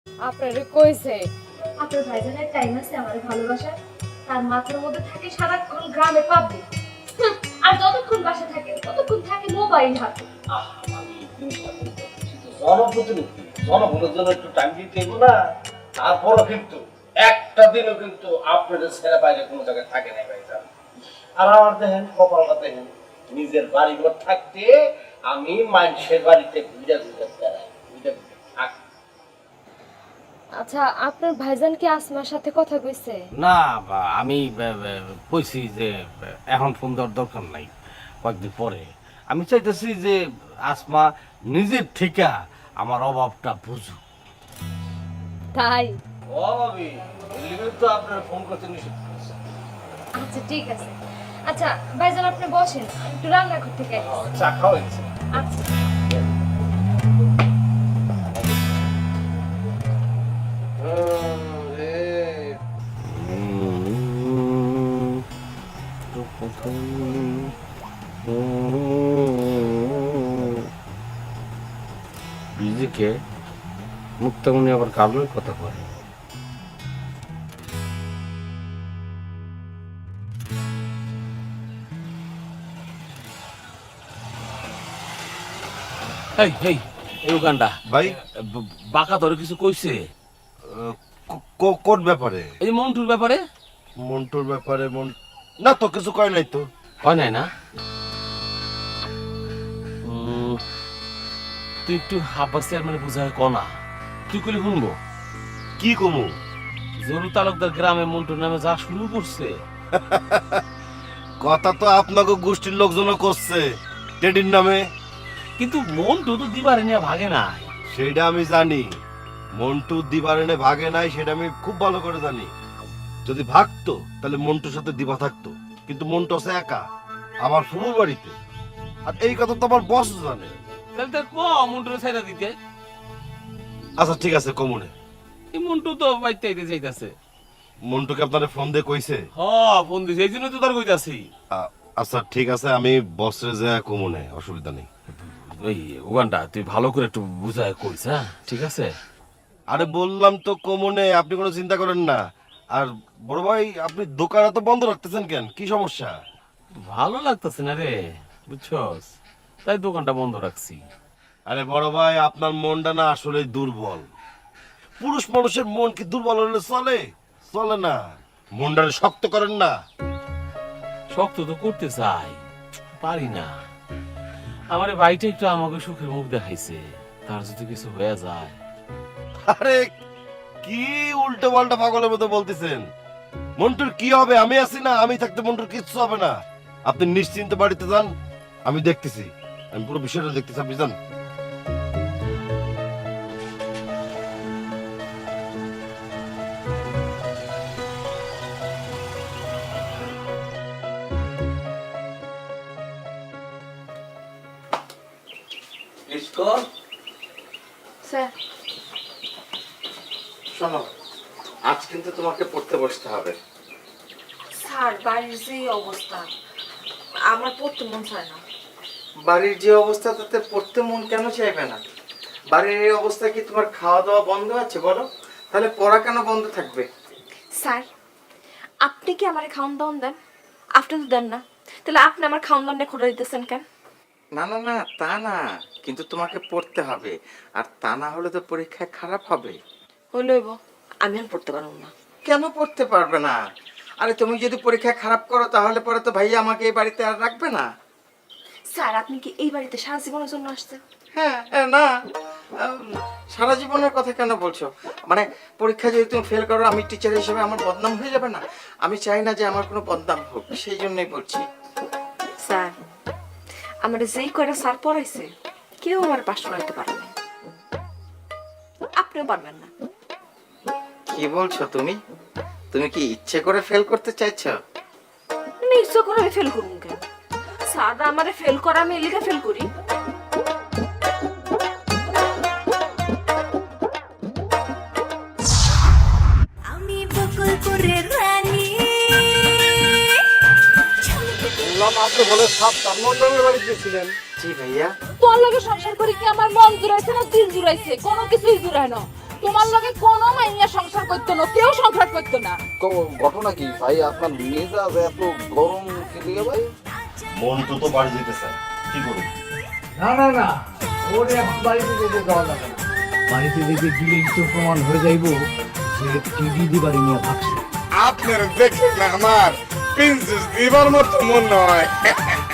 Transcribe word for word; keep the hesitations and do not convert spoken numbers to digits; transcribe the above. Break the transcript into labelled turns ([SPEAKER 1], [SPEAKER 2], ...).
[SPEAKER 1] আপনারে কইছে
[SPEAKER 2] আপনার ভাইজানের টাইম আছে আমার ভালোবাসার, তার মাথার মধ্যে থাকে সারাক্ষণ গ্রামে পাবলিক, আর যতক্ষণ বাসা থাকে ততক্ষণ থাকে মোবাইল হাতে।
[SPEAKER 3] জনপ্রতিনিধি জনগণের জন্য একটু টাইম দিতে এগো না, তারপরও কিন্তু একটা দিনও কিন্তু আপনাদের ছেড়ে বাইরে কোনো জায়গায় থাকে নাই ভাইজান। আর আমার দেখেন কপালটা দেখেন, নিজের বাড়ি ঘর থাকতে আমি মানুষের বাড়িতে ঘুরে ঘুরে বেড়াই, ঘুরে ঘুরে থাকি।
[SPEAKER 1] আচ্ছা আপনার ভাইজান কি আসমার সাথে কথা কইছে?
[SPEAKER 4] না বা- আমি ব- ব- কইছি যে ব- এখন ফোন দেওয়ার দরকার নাই, কয়েকদিন পরে। আমি চাইতেছি যে আসমা নিজের থেকে আমার অভাবটা বুঝুক।
[SPEAKER 1] তাই?
[SPEAKER 3] ও ভাবি, এলিগে তো আপনার ফোন করতে নিষেধ করেছে।
[SPEAKER 2] আচ্ছা ঠিক আছে। আচ্ছা ভাইজান আপনি বসেন, আমি একটু রান্না করতে গেছি।
[SPEAKER 3] চা খাওয়া হয়েছে?
[SPEAKER 2] আচ্ছা
[SPEAKER 4] বিজিকে মুক্তামণি আবার কারণের কথা কয়। এই এই এই উগান্ডা
[SPEAKER 5] ভাই
[SPEAKER 4] ব- বাঁকা ধরে কিছু কইছে
[SPEAKER 5] ক- ক- কোন ব্যাপারে?
[SPEAKER 4] এই মন্টুর ব্যাপারে?
[SPEAKER 5] মন্টুর ব্যাপারে? মন না তো কিছু কয় নাই তো।
[SPEAKER 4] হয় নাই না? উম, তুই একটু হাব্বাস চেয়ারম্যানে বুঝায় ক না, তুই কইলে শুনবো।
[SPEAKER 5] কি কমু?
[SPEAKER 4] জরু তালুকদার গ্রামে মন্টুর নামে যা শুরু করছে।
[SPEAKER 5] কথা তো আপনাকে গোষ্ঠীর লোকজনও করছে টেডির নামে।
[SPEAKER 4] কিন্তু মন্টু তো দিবারে নিয়ে ভাগে নাই।
[SPEAKER 5] সেটা আমি জানি, মন্টু দিবারেনে ভাগে নাই, সেটা আমি খুব ভালো করে জানি। যদি ভাগতো তাহলে মন্টুর সাথে দিবা থাকতো, কিন্তু মন্টু আছে একা আমার ফুফুর বাড়িতে। আর এই কথা তো আমার বস জানে।
[SPEAKER 4] তাহলে তার ক মন্টুর ছাইড়া দিতে।
[SPEAKER 5] আচ্ছা ঠিক আছে কমুনে।
[SPEAKER 4] এই মন্টু তো বাইতে আইতে চাইতাছে।
[SPEAKER 5] মন্টুকে আপনার ফোন দিয়ে কইছে?
[SPEAKER 4] হ ফোন দিছে, এই জন্য তো তার কইতাছি।
[SPEAKER 5] আ- আচ্ছা ঠিক আছে, আমি বসরে যা কমুনে, অসুবিধা নেই।
[SPEAKER 4] ওই ওখানটা তুই ভালো করে একটু বুঝায় কইস, হ্যাঁ ঠিক আছে?
[SPEAKER 5] আরে বললাম তো কমনে, আপনি কোনো চিন্তা করেন না। আর বড় ভাই, আপনি দোকান তো বন্ধ রাখতেছেন কেন? কি সমস্যা?
[SPEAKER 4] ভালো লাগতেছে না রে, বুঝছস, তাই দোকানটা বন্ধ রাখছি।
[SPEAKER 5] আরে বড় ভাই, আপনার মনটা না আসলে দুর্বল। পুরুষ মানুষের মন কি দুর্বল হলে চলে? চলে না। মনটারে শক্ত করেন না।
[SPEAKER 4] শক্ত তো করতে চাই, পারি না। আমার এই ভাইটা একটু আমাকে সুখের মুখ দেখাইছে, তার যদি কিছু হয়ে যায়।
[SPEAKER 5] আরে কি উল্টো পাল্টা পাগলের মতো বলতেছেন? মন্টুর কি হবে? আমি আছি না, আমি থাকতে মন্টুর কিচ্ছু হবে না। আপনি নিশ্চিন্ত বাড়িতে যান, আমি দেখতেছি, আমি পুরো বিষয়টা দেখতেছি, আপনি যান।
[SPEAKER 2] স্যার।
[SPEAKER 6] শোনো, আজ কিন্তু তোমাকে পড়তে বসতে হবে।
[SPEAKER 2] স্যার বাড়ির যে অবস্থা, আমার পড়তে মন চায় না।
[SPEAKER 6] বাড়ির যে অবস্থা তাতে পড়তে মন কেন চাইবে না? বাড়ির এই অবস্থা কি তোমার খাওয়া দাওয়া বন্ধ আছে বলো? তাহলে পড়া কেন বন্ধ থাকবে?
[SPEAKER 2] স্যার আপনি কি আমার খাওয়ান দাওয়ান দেন? আপনি তো দেন না, তাহলে আপনি আমার খাওয়ান দাওয়ানটা খোটা দিতেছেন কেন?
[SPEAKER 6] না না না, তা না, কিন্তু তোমাকে পড়তে হবে, আর তা না হলে তো পরীক্ষায় খারাপ হবে।
[SPEAKER 2] হইলইব, আমি আর পড়তে পারবো না।
[SPEAKER 6] কেন পড়তে পারবে না? আরে তুমি যদি পরীক্ষায় খারাপ করো তাহলে পরে তো ভাইয়া আমাকে এই বাড়িতে আর রাখবে না।
[SPEAKER 2] স্যার আপনি কি এই বাড়িতে সারা জীবনের জন্য আসছেন?
[SPEAKER 6] হ্যাঁ এ, না আম, সারা জীবনের কথা কেন বলছো? মানে পরীক্ষা যদি তুমি ফেল করো, আমি টিচার হিসেবে আমার বদনাম হয়ে যাবে না? আমি চাই না যে আমার কোনো বদনাম হোক, সেই জন্যই বলছি।
[SPEAKER 2] স্যার আমার যেই কয়টা স্যার পড়াইছে কেউ আমার পাশ করাতে পারে না, আপনিও পারবেন না।
[SPEAKER 6] কি বলছো তুমি? তুমি কি ইচ্ছে করে ফেল করতে চাইছো?
[SPEAKER 2] নিশ্চয় করে আমি ফেল করুন কেন? স্যার আমারে ফেল করা, আমি এলিকা ফেল করি।
[SPEAKER 7] আমি বকুলপুরের রানী।
[SPEAKER 3] বললাম আপনি বলে সাপ তার মন্ডলের বাড়িতে ছিলেন।
[SPEAKER 6] জি ভাইয়া।
[SPEAKER 1] তোর লগে সংসার করে কি আমার মন জুড়াইছে না দিল জুড়াইছে? কোনো কিছুই জুড়ায় না।
[SPEAKER 8] তোমার লগে কোনো মাইয়া সংসার করতো না, কেউ সংসার করতো না।
[SPEAKER 9] ঘটনা কি ভাই? আপনার মেজাজ এত গরম কি লিগে ভাই?
[SPEAKER 5] মন্টু তো বাড়ি যেতে চায়, কি করুন?
[SPEAKER 10] না না না, ওর এখন বাড়িতে যেতে যাওয়া যাবে না। বাড়িতে যেতে গেলেই তো প্রমাণ হয়ে যাইব যে টিভি দিবারে নিয়ে ভাবছে।
[SPEAKER 11] আপনার দেখে না আমার প্রিন্সেস দিবার মতো মন নয়।